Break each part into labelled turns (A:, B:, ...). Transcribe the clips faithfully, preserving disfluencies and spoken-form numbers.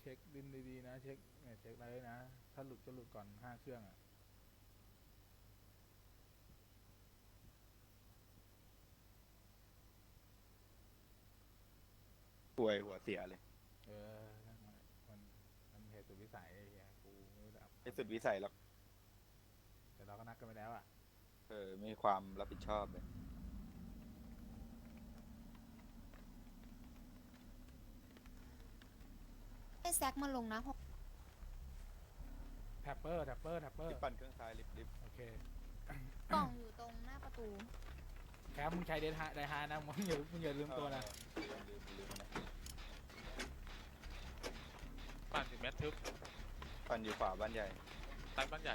A: ช็คดินดีๆนะเช็คเนี่ยเช็คอะไรนะถ้าหลุดก็หลุดก่อนห้าเครื่องอ่ะ
B: ป่วยหัวเสียเลย
A: เออมันมันเหตุสุดวิสัยไอ้เหี้ยกูไม่รู้จะอับ
B: ไอ้สุดวิสัยหรอก
A: แต่เราก็นัดกันไปแล้วอ่ะ
B: เออไม่มีความรับผิดชอบเลย
C: ให้แซกมาลงนะหก
A: แท็ปเปอร์แท็ปเปอร์แท็ปเปอร์
B: ลิฟต์ปั่นเครื่องซ้ายลิฟต์ลิฟต์
A: โอเค
C: กล่องอยู่ตรงหน้าประตู
A: แคมมึงใช้เดนฮาไดฮานะมึงอย่ามึงอย่าลืมตัวนะ
B: เออลืมลืมนะ
D: ปั่นถึงแมททึบ
B: ปั่นอยู่ขวาบ้านใหญ่
D: ใต้บ้านใหญ่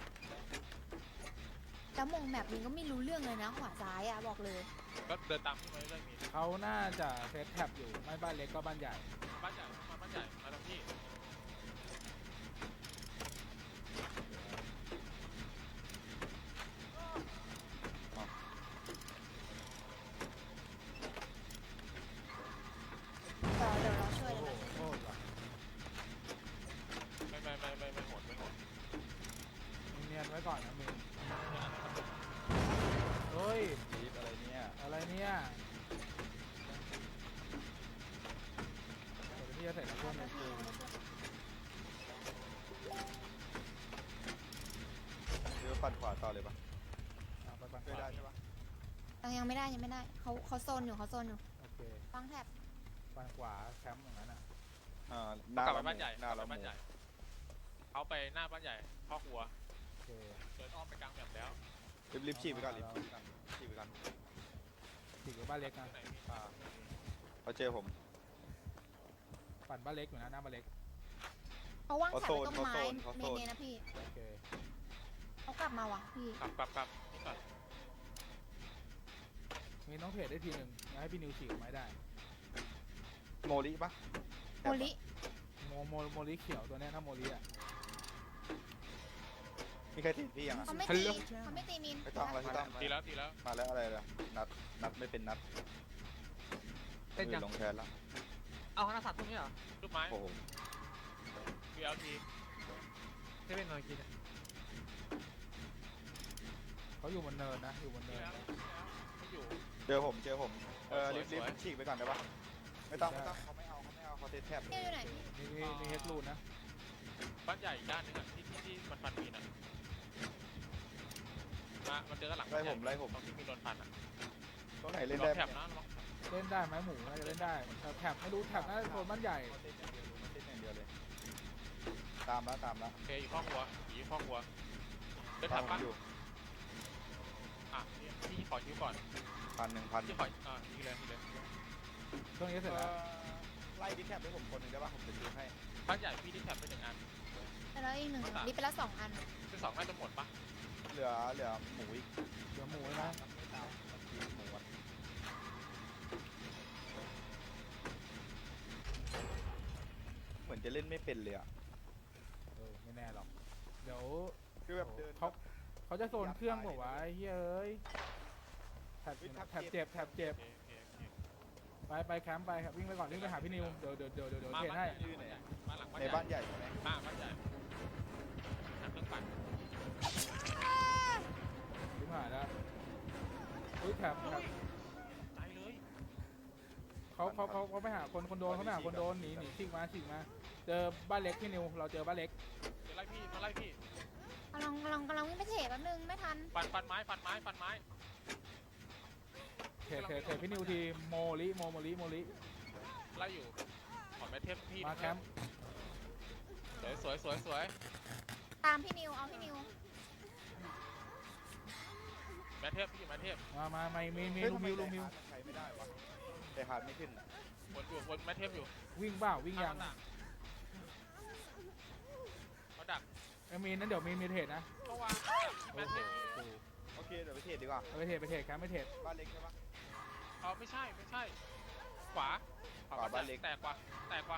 C: แล้วมงแมปนี้ก็ไม่รู้เรื่องเลยนะขวาซ้ายอ่ะบอกเลย
D: ก็เดินตามพี่มาเรื่อยๆมี
A: เขาน่าจะเซตแท็บอยู่ไม่บ้านเล็กก็บ้านใหญ่
D: บ้านใหญ่มาบ้านใหญ่มาตรงที่
C: เดี๋ยวเดี๋ยวเราช่วย
A: โอ้
C: เดี๋ยว
A: โห
C: เราช่วย
A: โคตรว่ะ
D: ไม่ไม่ไม่ไม่ไม่หมดไม่หมด
A: มึงเนียนไว้ก่อนนะมึงเฮ้ย
B: ลิฟต์อะไรเนี่ย
A: อะไรเนี่ยเดี๋ยวพี่จะใส่น้ำส้มใน
C: พี่
A: กู
B: เรือปั่นขวาต่อเลยปะ
A: เอาไปปัน
B: ช่วยได้ใช่ปะ
C: ยังยังไม่ได้ยังไม่ได้เขาเขาโซนอยู่เขาโซนอยู่
A: โอเค
C: ฟังแท็บ
A: ปันขวาแคมป์อย่างนั้นอ่ะ
B: อ่าหน้าก
D: ลับไป
B: เรา
D: บ้านใหญ่
B: หน้าก
D: ลั
B: เรา
D: บไปบ้านใหญ่เขาไปหน้าบ้านใหญ่พ่อครัว
A: โอเค
D: เดินอ้อมไปกลางแบบแล้ว
B: ลิฟต์ลิฟต์ฉีกไปก่อนลิฟต์ฉีกไปก่อนฉีกไปก่อน
A: ฉีกกับบ้านเล็กนะ
D: ที่ไหนมี
B: อ่าเขาเจอผม
A: ปั่นบ้านเล็กอยู่นะหน้าบ้านเล็ก
C: เขาว่างแท็บ
B: เขา
C: ไว้
B: โซน
C: ตรงไม้
B: เขาโซน
C: เมเนนะพี่
A: โอเค
C: เขากลับมาว่ะพี่
D: กลับกลับกลับนี่ก่อน
A: มีน้องเทรดได้ทีหนึ่งอยากให้พี่นิวฉีกไม้ได้
B: โมลิปะ
C: โมลิ
A: โมโมโมลิเขียวตัวเนี้ยถ้าโมลิอ่ะ
B: มีใครติดพี่ยังอ่ะ
C: เขาไม่ตีเขาไม่ตีมิน
B: ไม่ต้องแล้วไม่ต้อง
D: ตีแล้วตีแล้ว
B: มาแล้วอะไรล่ะนัดนัดไม่เป็นนัด
E: เป็นยัง
B: ลงแทนแล้ว
E: เอาคณะสัตว์พวกนี้เหรอ
D: รูปไม้
B: โอ้โห
D: วีเอลที
E: เซเว่นหน่อยกิน
A: เขาอยู่บนเนินนะอยู่บน
D: ตี
A: เนิน
D: แล้วไม่อยู่
B: เจอผมเจอผมเออ
D: สวย
B: ลิฟต์ลิฟ
D: สวย
B: ต์ฉีกไปก่อนได้ปะไม่ต้องไม่ต้องเขาไม่เอาเขาไม่เอาเขาเทสแท็บ
C: พี่อยู่ไหนพี่
A: มีมีมีเฮดรูนนะ
D: บ้านใหญ่อีกด้านหนึงอ่ะที่ที่ที่มันฟันมีนอ่ะมามันเจอกันหลัง
B: ไล่ผมไล่ผม
D: ตรงที่มีโดนฟันอ่ะ
B: ตรงไหนเล่น
D: ลอ
B: ได้
D: งแถบนะลอง
A: เล่นได้ไหมหมูน่าจะเล่นได้แต่แท็บไม่รู้แท็บน่าจะโซนบ้านใหญ่
B: เขาเต้นอย่างเดียวเลยมันเต้นอย่างเดียวเลยตามแล้วตามแล้ว
D: โอเคอยู่พ่อครัวอยู่พ่อครัวเดิน
B: ตา
D: ถั
B: ม
D: บ
B: ผม
D: ปะ
B: อยู่
D: อ่ะนี่พี่ขอคิวก่อน
B: พันหนึ่งพัน
D: พี่ขออ่าทีเลยทีเลย
A: ช่วงนี้เสร็จแล้ว
B: ไล่ดิแท็บให้ผมคนหนึ่งได้ปะผมจะซื้อให้
D: บ้านใหญ่พี่ที่แถบไปหนึ่งอัน
C: แล้วอีกหนึ่งนี่ไปแล้วสองอัน
D: คือสองน่าจะหมดปะ
B: เหลือเหลือหมูอีก
A: เดี๋ยวหมูนะ
B: ไม่ตามหมูอะเหมือนจะเล่นไม่เป็นเลยอ่ะ
A: เออไม่แน่หรอกเดี๋ยว
B: คือแบบเดิน
A: เขาเขาจะโซนเครื่องบอกว่าไอ้เฮ้ยเอ้ยแท็บแท็บเจ็บแท็บเจ็บ
D: โอเคโอเคโอเค
A: ไปไปแคมป์ไปครับวิ่งไปก่อนวิ่งไปหาพี่นิวเดี๋ยวเดี๋ยวเดี๋ยวเดี๋ยวเดี๋ยว
D: มา
A: เทรด
D: บ้าน
A: ให้
D: ใหญ่มาหลังบ้าน
B: ใน
D: ใหญ่
B: บ้านใหญ่ใช่ไหม
D: มาบ้านใหญ่หาเครื่องปั่น
A: วิ่งผ่านแล้วอุ้ยแท็บแท็บ
D: ใจเลย
A: เขาเขาเขาเขาไปหาคนคนโดนเขาไปหาคนโดนหนีหนีฉีกมาฉีกมาเจอบ้านเล็กพี่นิวเราเจอบ้านเล็ก
D: เดี๋ยวไล่พี่มาไล่พี่
C: กำลังกำลังกำลังวิ่งไปเทรดแป๊บนึงไม่ทัน
D: ฟันฟันไม้ฟันไม้ฟันไม้
A: เทรดเทรดเทรดพี่นิวทีโมลิโมโมลิโมลิ
D: ไล่อยู่ขอแมทเทปพี่
A: มาแคมป์
D: สวยสวยสวยสวย
C: ตามพี่นิวเอาพี่นิว
D: แมทเทปพี่อยู่แมทเทป
A: มามาไม่มีมี
B: เฮ้ย
A: ลู
B: ทำไ
A: มิวลูมิว
B: ไดฮาร์ดใช้ไม่ได้วะไดฮาร์ดไม่ขึ้น
D: วนอยู่วนแมทเทปอยู่
A: วิ่งเปล่าวิ่งยัง
D: เขาดัก
A: ไอ้มีนนั้นเดี๋ยวมีมีเทรดนะ
D: เขาวางแม
A: โอ้
D: ท
A: โห
D: เทป
B: โอเคเดี๋ยวไปเทรดดีกว่า
A: เอาไปเทรดไปเทรดแคมป์ไปเทรด
B: บ้านเล็กใช่ปะ
D: เออไม่ใช่ไม่ใช่ ขวา
B: ขวาบ้านเล็ก
D: แตกกว่าแตกกว่า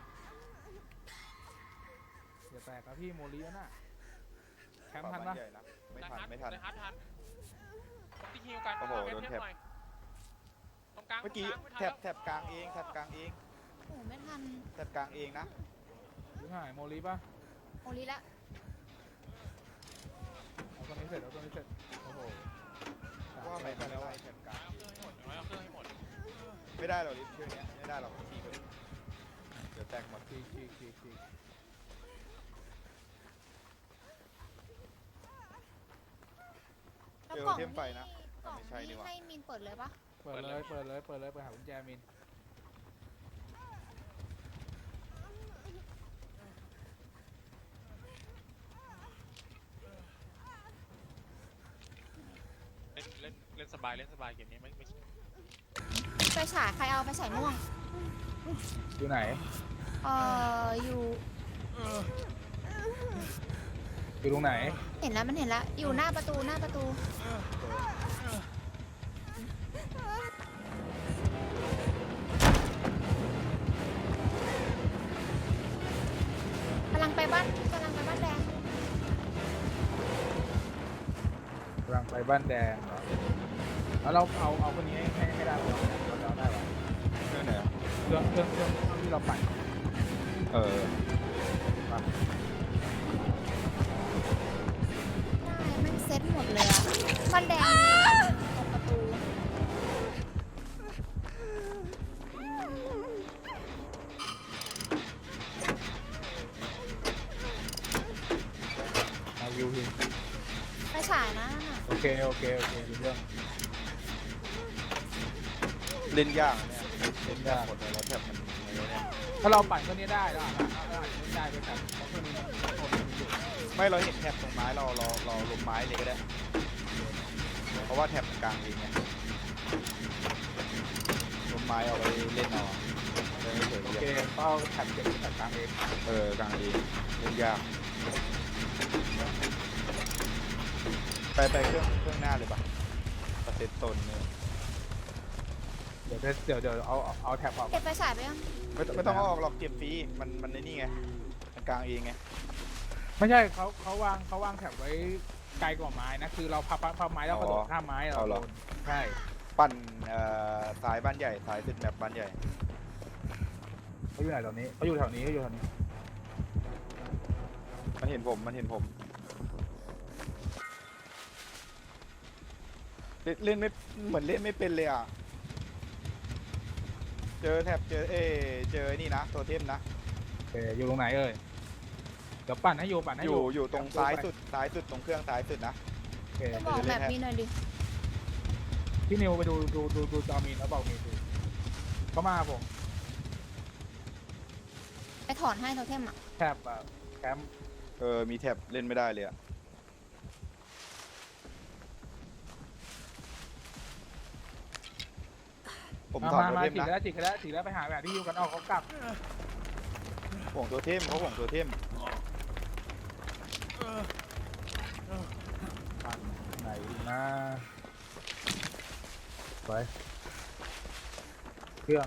A: อย่าแตกครับพี่โมลิแล้วน่ะแคมป์
B: ขวา
A: ทัน
B: บ้า
A: ปะ
B: นใหญ่นะไม่ทันไม่ทัน
D: ในฮาร์ดทันที่ฮิวกัน
B: โอ้โห
D: แมท
B: โดน
D: เทป
B: แท็บ
D: หน่อยตรงกลาง
B: เมื่อกี้
D: ตรงลางไม่ทัน
B: แท็บ
D: แล้ว
B: แท็บกลางเองแท็บกลางเอง
C: โอ้โหไม่ทัน
B: แท็บกลางเองนะ
A: วิ่งหายโมลีป่ะ
C: โอลิละ
A: เอาตัวนี้เสร็จเอาตัวนี้เสร็จโอ้โห
B: ว่าไม่
A: ไป
B: ได้
A: แล้ว
B: ไล่
A: อะ
B: แถบกลาง
D: เอาเครื่องให้หมดเอาเครื่องให้หมด
B: ไม่ได้หรอกลิฟต์เชื่อเนี้ยไม่ได้หรอกทีก็เดี๋ยวแตกหมด
A: ฉีกฉีกฉีกฉีก
C: แล้ว
B: เจอก
C: ล่อง
B: เทมไฟนะ
C: กล่อง
B: ไม่ใช่ดี
C: นี่
B: กว่า
C: ให้มินเปิดเลยปะ
A: เปิดเลยเปิดเลยเปิดเลยเปิดหากุญแจมิน
D: เล่นเล่นเล่นสบายเล่นสบายเกมนี้ไม่ไม่
C: ไปฉายใครเอาไปฉายม่วง
A: อยู่ไหน
C: เอ่ออยู่
A: อยู่ตรงไหน
C: เห็นแล้วมันเห็นแล้วอยู่หน้าประตูหน้าประตูกำลังไปบ้านกำลังไปบ้านแดง
A: กำลังไปบ้านแดงเหรอแล้วเราเอาเอาคนนี้ให้ให้ให้ได้ไหมเราจะเอาได้ไหม
B: เชื่อไหนอะ
A: เครื่องเครื่องเครื่องที่เราปั่น
B: เออ
A: มา
C: ได้แม่งเซ็ตหมดเลยอะบ้านแดงตรงประตู
A: เอาวิวที
C: ไปฉายนะนั่นน่ะ
A: โอเคโอเคโอเครู้เรื่อง
B: เล่นยากนะเนี่ยเล่นยากหมดเลยแล้วแถบมันอะไรเนี่ย
A: ถ้าเราปั่นเครื่องนี้ได้เราอาจจะเราอาจจะไม่ได้ไปแต่เพราะเครื่องนี้มันโคตรมันอยู่
B: ไม่เราเห็นแถบตรงไม้เราเราเราลงไม้เลยก็ได้ เพราะว่าแถบมันกลางเองไงลงไม้เอาไปเล่นเอาเล่นไม่เฉย
A: โอ
B: ๆ
A: เคก็เอาแท็บเก็บแท็บกลางเอง
B: เออกลางเองเล่นยากไปไปเครื่องเครื่องหน้าเลยปะเปอร์เซ็นต์ตนเนี่ย
A: เดี๋ยวเดี๋ยวเดี๋ยวเอาเอาเอาแท็บออก
C: เก็บไปฉายไปยัง
B: ไม่ต้องไม่ต้องเอาออกหรอกเก็บฟรีมันมันในนี่ไงมันกลางเองไง
A: ไม่ใช่เขาเขาวางเขาวางแท็บไว้ไกลกว่าไม้นะคือเราพับพับพับไม้แล้วกระโดดข้ามไม้เราโดนใช่
B: ปั่นเอ่อสายบ้านใหญ่สายสุดแมปบ้านใหญ่
A: เขาอยู่ไหนตอนนี้เขาอยู่แถวนี้เขาอยู่แถวนี้
B: มันเห็นผมมันเห็นผมเล่นเล่นไม่เหมือนเล่นไม่เป็นเลยอ่ะเจอแถบเจอเอเจอนี่นะตัวเทมนะ
A: โอเคอยู่ตรงไหนเอ่ยเดี๋ยวปั่นให้อยู่ปั่นให้
B: อ
A: อยู่
B: ยู่อยู่ตรงซ้ายสุดซ้ายสุดตรงเครื่องซ้ายสุดนะ
A: โอเค
C: จะบอกแบบนี้หน่อยดิ
A: พี่นิวไปดูดูดูดูจอมีนแล้วบอกมีนดูเขามาผม
C: ไปถอนให้โทเทมอ่ะ
A: แท็บอะแคมป์
B: เออมีแถบเล่นไม่ได้เลยอ่ะผม
A: มา
B: ถอด
A: มา
B: ตัว
A: มา
B: เทม
A: จีก
B: นะ
A: แล้วจีกแล้วจีกแล้วไปหาแบบที่อยู่กันออกเขากลับ
B: ห่วงตัวเทมเขาห่วงตัวเทม
A: ปั่นไหนนะไปเครื่อง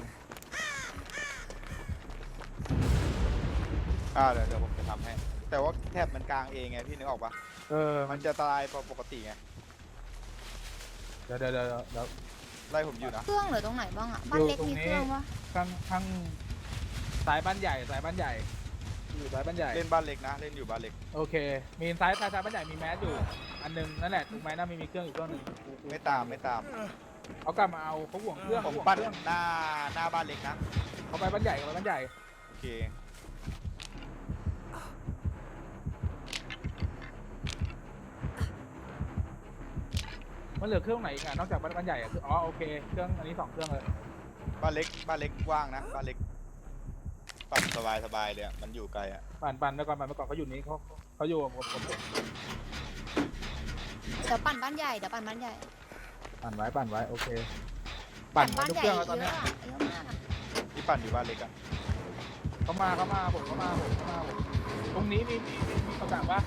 B: อ่าเดี๋ยวเดี๋ยวผมจะทำให้ แต่ว่าแถบมันกลางเองไงพี่นึกออกปะ
A: เออมั
B: มัน นจะตายปกติไง
A: เดี๋ยวเดี๋ยวเดี๋ยวเดี๋ยว
B: ไล่ผมอยู่นะ
C: เครื่องเหรือตรงไหนบ้างอ่ะบ้านเล็ก
A: อยู่ตรง
C: มี
A: นี้
C: เครื่องวะ
A: ข้างข้างสายบ้านใหญ่สายบ้านใหญ่อยู่สายบ้านใหญ่
B: เล่นบ้านเล็กนะ เล่นอยู่บ้านเล็ก
A: โอเค มีซ้ายซ้ายซ้ายบ้านใหญ่มีแมสอยู่อันหนึงนั่นแหละถูกไหมน่ามีมีเครื่องอยู่เครื่องหนึ่ง
B: ไม่ตามไม่ตาม
A: เขากลับมาเอาเขาห่วงเครื่อง
B: ผม
A: เขาห่วง
B: ปั้น
A: เครื่อง
B: หน้าหน้าบ้านเล็กนะ
A: เขาไปบ้านใหญ่เขาไปบ้านใหญ่
B: โอเค
A: มันเหลือเครื่องไหนอีกอ่ะนอกจากบ้านบ้านใหญ่อ่ะคืออ๋อโอเคเครื่องอันนี้สองเครื่องเลย
B: บ้านเล็กบ้านเล็กว่างนะบ้านเล็กปั่นสบายสบายเลยอะมันอยู่ไกลอ่ะ
A: ปั่นปั่นไปก่อนปั่นไปก่อนเขาอยู่นี้เขาเขาอยู่กับผมผม
C: เดี๋ยวปั่นบ้านใหญ่เดี๋ยวปั่นบ้านใหญ่
A: ปั่นไว้ปั่นไว้โอเค ปั่นไว้
C: บ้าน
A: ทุก
C: ใหญ่
A: เครื่อง
C: เย
A: แล้วตอน
C: อะ
A: เนี้ย
C: อะเยอะมากอะ
B: ที่ปั่นอยู่บ้านเล็กอ่ะ
A: เขามาเขามาผมเขามาผมเขามาผมตรงนี้มีมีมีมีคำสั่งปะ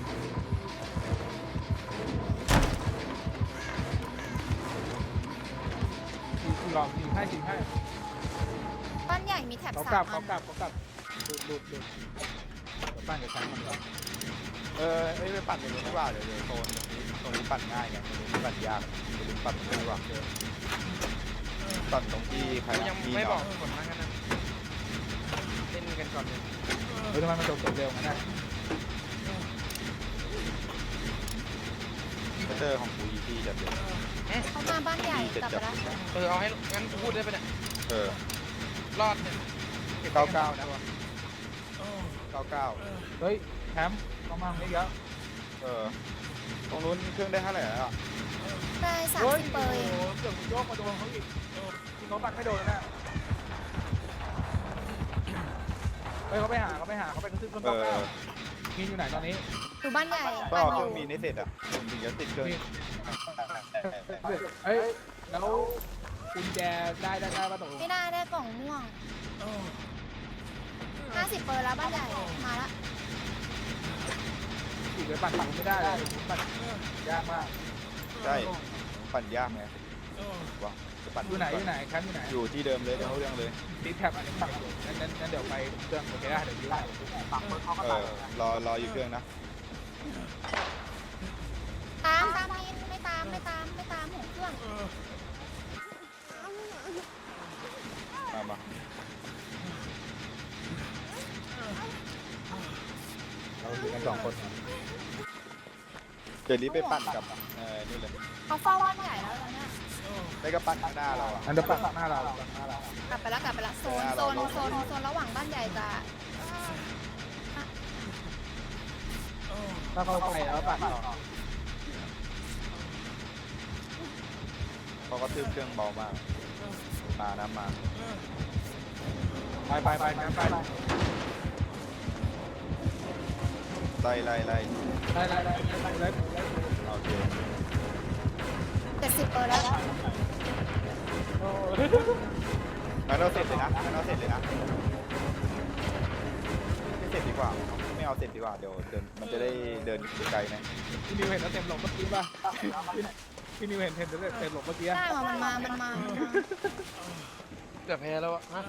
A: ลองยิงให้ยิงให้
C: บ้านใหญ่มีแถบ
A: เขา
C: สาก
A: ลับ
C: มอั
A: เขา
C: น
A: กลับเขากลับดูดูดูเดี๋ยวปั่นกับแซงมันก่อน
B: เออเอ้ยไปปั่นตรงนู้นดีกว่าเดี๋ยวเดี๋ยวโซนตรงนี้ตรงนี้ปั่นง่ายไงตรงนี้ปั่นยากตรงนี้ปั่นตรงนี้ดีกว่าปั่นตรงที่ใคร
E: กู
B: นะ
E: ยัง
B: ที่
E: ไม่
B: เนาะ
E: บอกผลมากันนะเล่นกันก่อนเลย
A: เฮ้ยทำไมมันจบจบเร็วงั้นน่ะ
B: เตอร์ของกูอีซี่จัดเลย
C: เขามาบ้านใหญ่กลับไปแล้ว
E: เออเอาให้งั้นกูพูดได้ปะเนี่ย
B: เออ
E: รอดเนี่ย
B: เก้าเก้านะเก้าเก้า
A: เฮ้ยแคมป์เข้ามาไม่เยอะ
B: เออตรงนู้นเครื่องได้เท่าไหร่แล้วอะ
C: ได้สาม
A: เฮ้ย
C: สิบเปอร์เอง
A: โอ้โหเกือบโยกมาโดนเขาอีกที่เขาปัดไม่โดนแล้วนะเฮ้ยเขาไปหาเขาไปหาเขาไปกระทืบต้น
B: เอ
A: เก้าเก้า
B: อ
A: มีนอยู่ไหนตอนนี้
C: อยู่บ้านใหญ่
B: ก็
C: บ้าน
B: เอา
C: อ
B: เครื่
C: ยู่
B: องมีนให้เสร็จอ่ะผมถึงจะติดเครื่อง
A: เฮ้ยแล้วกุญแจได้ได้ได้ป่ะตกลง
C: ไม่ได้ได้กล่องม่วงห้าสิบเปอร์แล้วบ้านใหญ่มาละ
A: ขี่ไปปั่นปั่นไม่ได้เลยปั่นยากมาก
B: ใช่ปั่นยากไงว้าจะปั่น
A: อยู่ไหนอยู่ไหนแคมป์อยู่ไหน
B: อยู่ที่เดิมเลยเดี๋ยวเรื่องเลย
A: ติดแท็บอันนี้ปั่นอยู่งั้นงั้นงั้นเดี๋ยวไปเครื่องโอเคได้เดี๋ยวยืม
B: เออรอรออยู่เครื่องนะ
C: ตามตามมินไม่ตามไม่ตามไม่ตามของเครื่อง
B: มามาเราอยู่กันสองคนเดี๋ยวรีบไปปั่นกับเออนี่เลย
C: เขาเฝ้าบ้านใหญ่แล้วตอนเนี้ย
B: ไม่ก็ปั่นข้างหน้าเราอ่ะ
A: อันเดอร์ปั่นหน้าเราปั่นหน้าเรา
C: กลับไปแล้วกลับไปแล้วโซนโซนโซนโซนระหว่างบ้านใหญ่กับ
A: ถ้าเขาไปแล้วปั่นต่อ
B: เขาก็ทืบเครื่องเบามากมานะมา
A: ไปไปไปแคมป์ไป
B: ไล่ไล่ไล่
A: ได้ได้ได้ได้ได้
B: โอเค
C: เจ็ดสิบเปอร์แล้ว
B: งั้นเราเสร็จเลยนะงั้นเราเสร็จเลยนะไม่เสร็จดีกว่า ไม่เอาเสร็จดีกว่า เดี๋ยวเดินมันจะได้เดินไกลไหม
A: พี่นิวเห็นแล้วเต็มหลงเมื่อกี้ป่ะพี่นิวเห็นเห็นเต็มหลงเมื่อกี้
C: ได้มามันมามันมา
E: เกือบแพ้แล้วอะฮะ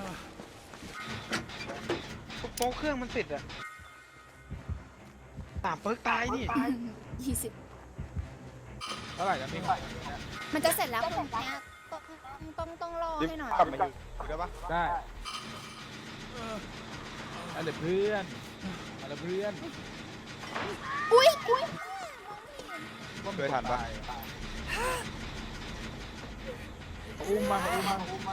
E: โป๊กเครื่องมันติดอะสามเปิร์กตายนี่
C: ยี่สิบ
A: เท่าไหร่จะมีของ
C: มันจะเสร็จแล้วคุณเนี้ยต้องต้องต้องรอ
B: รีบ
C: ให้หน่อย
B: กลับมาอยู่ได้ปะ
A: ได้อะไรเพื่อนอะไรเพื่อน
C: อุ้ยอุ้ย
B: เคยทันปะ
A: อุ้มมาอุ้มมาอุ้มมา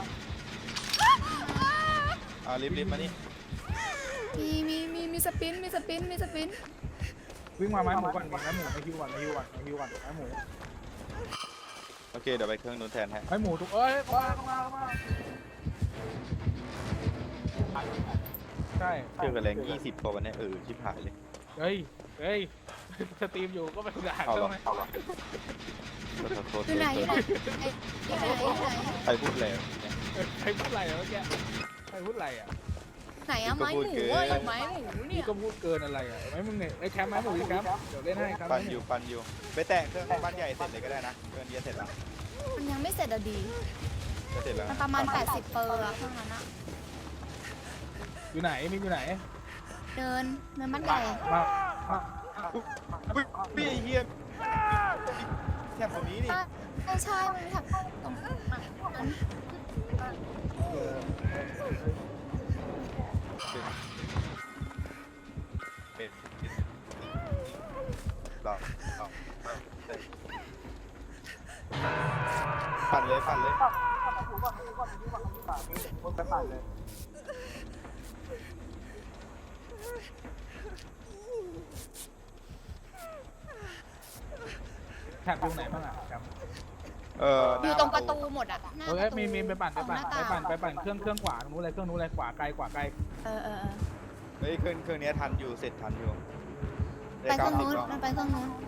B: อ่ารีบรีบมานี่
C: มีมีมีมีสปินมีสปินมีสปิน
A: วิ่งมาไม้หมูก่อนไม้หมูไม้ฮิวก่อนไม้ฮิวก่อนไม้ฮิวก่อนไม้หมู
B: โอเคเดี๋ยวไปเครื่องนู้นแทนให้
A: ไม้หมูทุกเอ้ยมามามาใช่
B: เครื่องกับแรงยี่สิบพอวันนี้เออชิบหายเลย
A: เฮ้ยเฮ้ยสตรีมอยู่ก็ไปด่า
B: เอา
A: เขา
B: หรอ
A: ไหม
B: เอาหรอขอโทษ
C: อยู่ไหนอยู่ไหนอยู่ไหนอยู่ไหน
B: ใครพูดแล้ว
A: ใครพูดอะไรเมื่อกี้ใครพูดอะไรอ่ะ
C: ไหนอะไม้หมูเว้ยไม้หมูเนี่
A: นี่
C: ย
A: ก็พูดเกินอะไรอ่ะไม้มึงเนี่ยไอ้แคมป์ไม้หมูดิแคมป์เดี๋ยวเล่นให้ครับ
B: ปั่นอยู่ปั่นอยู่ไปแตะเครื่องบ้านใหญ่เสร็จเลยก็ได้นะเครื่องนี้เสร็จแล้ว
C: มันยังไม่เสร็จอะดี
B: จะเสร็จแล้ว
C: มันประมาณแปดสิบเปอร์อะเครื่องนั้นอะ
A: อยู่ไหนมีอยู่ไหน
C: เดินเดินบ้านใหญ่
A: มามา
B: อุ้ยพี่ไอ้เฮียแทบตรงนี้นี่
C: ใช่ใช่มันถักตรงนั้น
B: เป็นรอรอปั่นเลยปั่นเลย
A: แท็บอยู่ไหนบ้างอ่ะแคมป์
B: เออ
C: อ
B: ห
C: ยู่
B: น้า
C: ตรงประตูหมดอะหน้า
A: เอ
C: ป
A: อ
C: ระตู
A: มีมีไปปั่นไปปั่น
C: ของห
A: ไป
C: น้า
A: ปั่น
C: ต่าง
A: ไปปั่นเครื่องเครื่องขวาตรงนู้นเลยเครื่องนู้นเลยขวาไกลขวาไกล
C: เออเออเออ
B: เฮ้ยเครื่องเครื่องนี้ทันอยู่เสร็จทันอยู่
C: ไปเครื่องนู้นมันไปเครื่องนู้น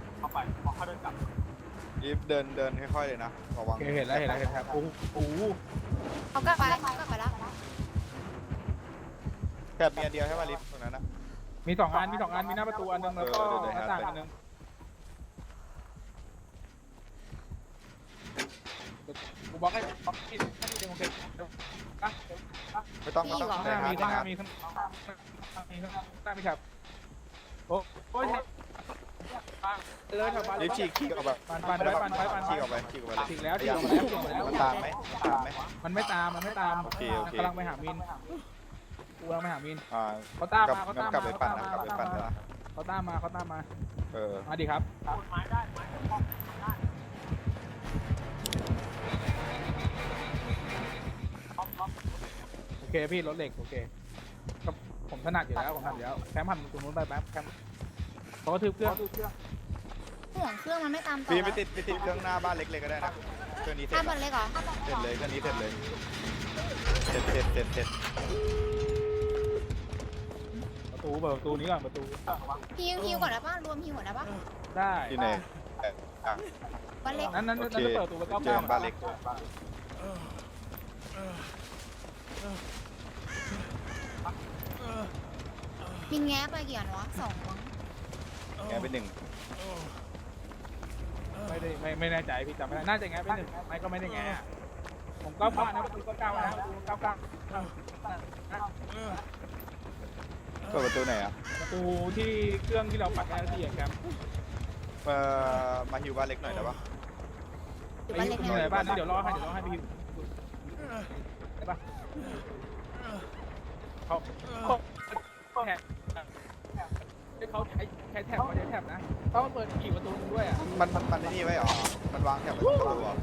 B: รีบเดินเดินค่อยๆเลยนะระวั
A: โอง เคเห็นแล้วเห็นแล้วเห็นแท็บโอ้โห
C: เขากลับไปเขากลับไปแล้ว
B: แถบมีอันเดียวใช่ป่ะลิฟต์ตรงนั้นนะ
A: มีสองอันมีสองอันมีหน้าประตูอันนึงแล้วก็
B: เออเดี๋ยว
A: หน้า
B: เดี๋ยว
A: ต่างอันนึงกูบอกให้บอกให้ให้เดี๋ยวโอเคอ่ะ
B: ไม่ต้องไม่ต้อง
A: ข้างห
B: ได้
A: น้า
B: ค
A: มี
B: รับ
A: ข้างหน้ามีข้างมีข้างหน้ามีแท็บโอ้โอ้ยเลยแท็บ
B: ลิฟต์ฉีกฉีกออกไป
A: ปั่นปั่นไปปั่นไปปั่น
B: ฉีกออกไปฉีกออกไป
A: ฉีกแล้วฉีก
B: ยั
A: ออกแล้วฉีกออกแล้ว
B: มันตามไหมตามไหม
A: มันไม่ตามมันไม่ตาม
B: โอเคโอเค
A: กำลังไปหามินกูเอาไปหามิน
B: อ่า
A: เขาตาม
B: กลับ
A: มาเขา
B: งั้
A: ตาม
B: นกลับ
A: มา
B: ไป
A: เขา
B: ปั่น
A: ตาม
B: นะ
A: มาก
B: ลับไปปั่นนะ
A: เขาตามมาเขาตามมา
B: เออ
A: มาดิครับโอเคพี่รถเหล็กโอเคก็ผมถนัดอยู่แล้วผมถนัดอยู่แล้วแคมป์หันตรงนู้นไปแป๊บแคมป์เขาก็ทึบเครื่อง
C: ห่วงเครื่องมันไม่ตามต่อ
B: พี่ไปติดไปติดเครื่องหน้าบ้านเล็กๆก็ได้นะเครื่องนี้เสร็
C: ถ้า
B: จ
C: บอลเล็กเหรอ
B: เสร็จเลยเครื่องนี้เสร็จเลยเสร็จเสร็จเสร็จเสร็จ
A: ประตูเปิดประตูนี้ก่อนประตู
C: ฮิวฮิวก่อนนะป้ารวมฮิวก่อนนะป้า
A: ได้
B: ที่ไหนอ่ะ
C: บอลเล็ก
A: นั้นนั้น
B: โอ
A: นั้น
B: เค
A: จะเปิดประตูไปเก้า
B: เจอ
A: เก้า
B: บ้านเล็ก
C: มินแง้ไปกี่อันวะสองมั้ง
B: แงเป็นหนึ่ง
A: ไม่ได้ไม่ไม่แน่ใจพี่จำไม่ได้น่าจะแง่ไปหนึ่งไม่ก็ไม่ได้แง่ผมเก้าเก้านะประตูเก้าเก้านะประตูเก้าเก้า
B: เปิดประตูไหนอ่ะ
A: ประตูที่เครื่องที่เราปัดแอร์ที่แคมป์
B: เอ่อมาฮิวบ้านเล็กหน่อยได้ปะ
C: อยู่
A: ไป
C: บอล
A: อ
C: เล็ก
A: ยู่
C: นะ
A: ไหนบ้านนี้เดี๋ยวรอให้เดี๋ยวรอให้พี่ได้ปะเขาเขาแท็บเขาใช้ใช้แท็บเขาใช้แท็บนะต้องเปิดกี่ประตูด้วยอ่ะ
B: มันมันมันไอ้นี่ไว้เหรอมันวางแถบไว้ตรงประตูเหรอ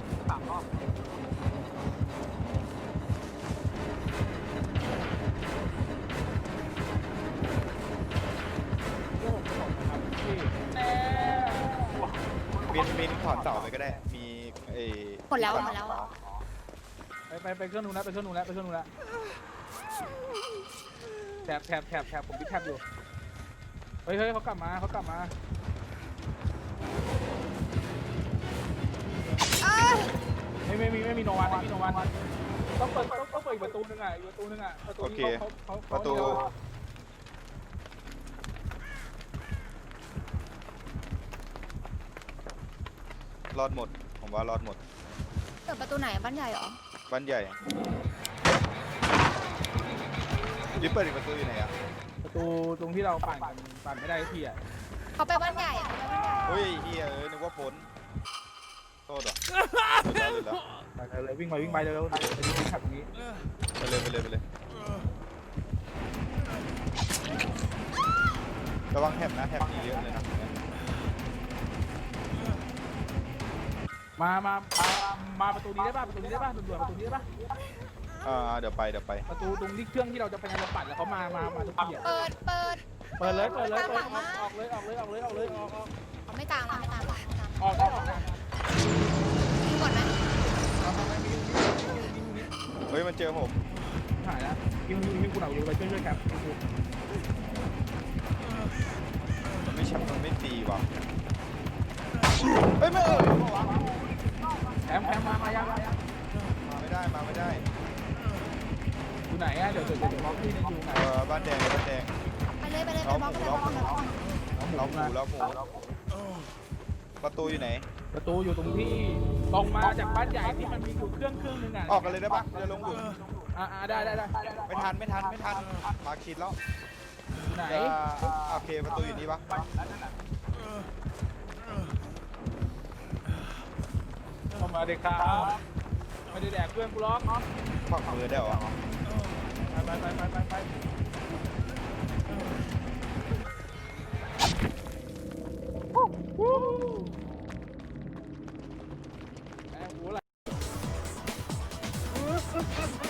A: พี่
B: มินมินถอดเสาไปก็ได้มีไอ้
C: หมดแล้วหมดแล้ว
A: ไปไปไปเครื่องนู้นแล้วไปเครื่องนู้นแล้วไปเครื่องนู้นแล้วแถบแถบแถบแถบผมที่แถบอยู่เฮ้ยเฮ้ยเขากลับมาเขากลับมาไม่ไม่มีไม่มีโนวันไม่มีโนวันต้องเปิดต้องต้องเปิดอีกประตูนึงอ่ะอีกประตูนึงอ่ะประตูนี้เขาเขา
B: ประตูรอดหมดผมว่ารอดหมด
C: เปิดประตูไหนบ้านใหญ่เหรอ
B: บ้านใหญ่ยิบเปิดอีกประตูอยู่ไหนอ่ะ
A: ประตูตรงที่เราปั่นกันปั่นไม่ได้ทีอ่ะ
C: เขาไปบ้านใหญ่อะเขาไปบ้านใหญ่
B: เฮ้ยเฮียเอ้ยนึกว่าพ้นโทษเหรอหลุดแล้วหลุดแล้ว
A: ไปเลยวิ่งไปวิ่งไปเร็วๆไปดูที่ขับตรงนี้
B: ไปเลยไปเลยไปเลยระวังแถบนะแถบมีเยอะเลยนะ
A: มามามามาประตูนี้ได้ป่ะประตูนี้ได้ป่ะด่วนๆประตูนี้ได้ป่ะ
B: อ่าเดี๋ยวไปเดี๋ยวไป
A: ประตูตรงที่เครื่องที่เราจะไปงานเราปั่นแล้วเขามามามาทุกทีอ่ะ
C: เปิดเปิด
A: เปิดเลยเปิดเลยเปิดออกออกเลยออกเลยออกเลยออกเลยออกออก
C: เขาไม่ตามมาไม่ตามมาไม่ตาม
A: ออกได้ออกได้
C: ฮิวก่อนนะ
A: เอาทำไมมีมีมีมี
B: เฮ้ยมันเจอผม
A: หายแล้วยิงยิงยิงกูหน่อยอยู่ไปช่วยช่วยครับ
B: มันไม่ชับมันไม่ตีว่ะเฮ้ยไม่เออ
A: แถมแถมมามายัง
B: มาไม่ได้มาไม่ได้
A: อยู่ไหนอ่ะเดี๋ยวเดี๋ยวเดี๋ยวบล็อกที่นึงอยู่ไหน
B: เออบ้านแดงบ้านแดง
C: ไปเลยไปเลยไปบล็อกไปเลยบล็อกไปเลยบล็อก
B: เราหมูเราหมูประตูอยู่ไหน
A: ประตูอยู่ตรงที่ตรงมาจากบ้านใหญ่ที่มันมีอยู่เครื่องเครื่องนึงอ่ะ
B: ออกกันเลยได้ปะจะลงหลุม
A: อ่าได้ได้ได้
B: ไม่ทันไม่ทันไม่ทันมาคิดแล้ว
A: อยู่ไหน
B: จะโอเคประตูอยู่นี่ปะ
A: เข้ามาเด็กครับไม่ได้แดกเพื่อนกูล็อก
B: ฝักมือได้เหรอ
A: ไปไปไปไปไปแหมกูอะไร